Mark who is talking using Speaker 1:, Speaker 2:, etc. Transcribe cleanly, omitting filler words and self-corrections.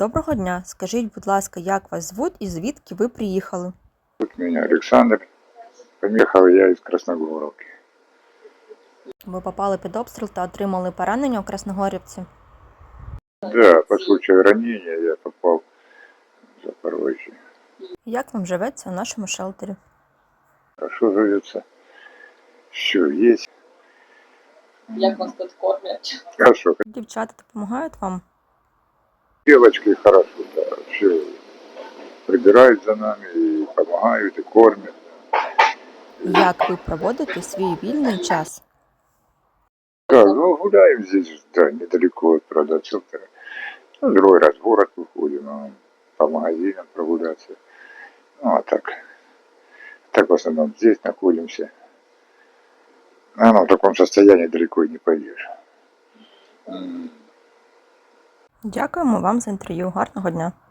Speaker 1: Доброго дня. Скажіть, будь ласка, як вас звуть і звідки ви приїхали?
Speaker 2: Зовут меня Александр. Приехал я из Красногоровки.
Speaker 1: Ви попали під обстріл та отримали поранення у Красногорівці.
Speaker 2: Да, по случаю ранения я попал в Запорожье.
Speaker 1: Як вам живеться у нашому шелтері?
Speaker 2: Хорошо живется. Все есть.
Speaker 3: Як вас тут кормять?
Speaker 2: Хорошо.
Speaker 1: Дівчата допомагають вам?
Speaker 2: Девочки хорошо, да. Все прибирают за нами и помогают, и кормят.
Speaker 1: Як ви проводите свій вільний час?
Speaker 2: Да, ну гуляем здесь, да, недалеко от продавцов-то. Ну, другой раз в город выходим, по магазинам прогуляться. Ну, а так в основном здесь находимся. В таком состоянии далеко и не пойдешь.
Speaker 1: Дякуємо вам за інтерв'ю. Гарного дня.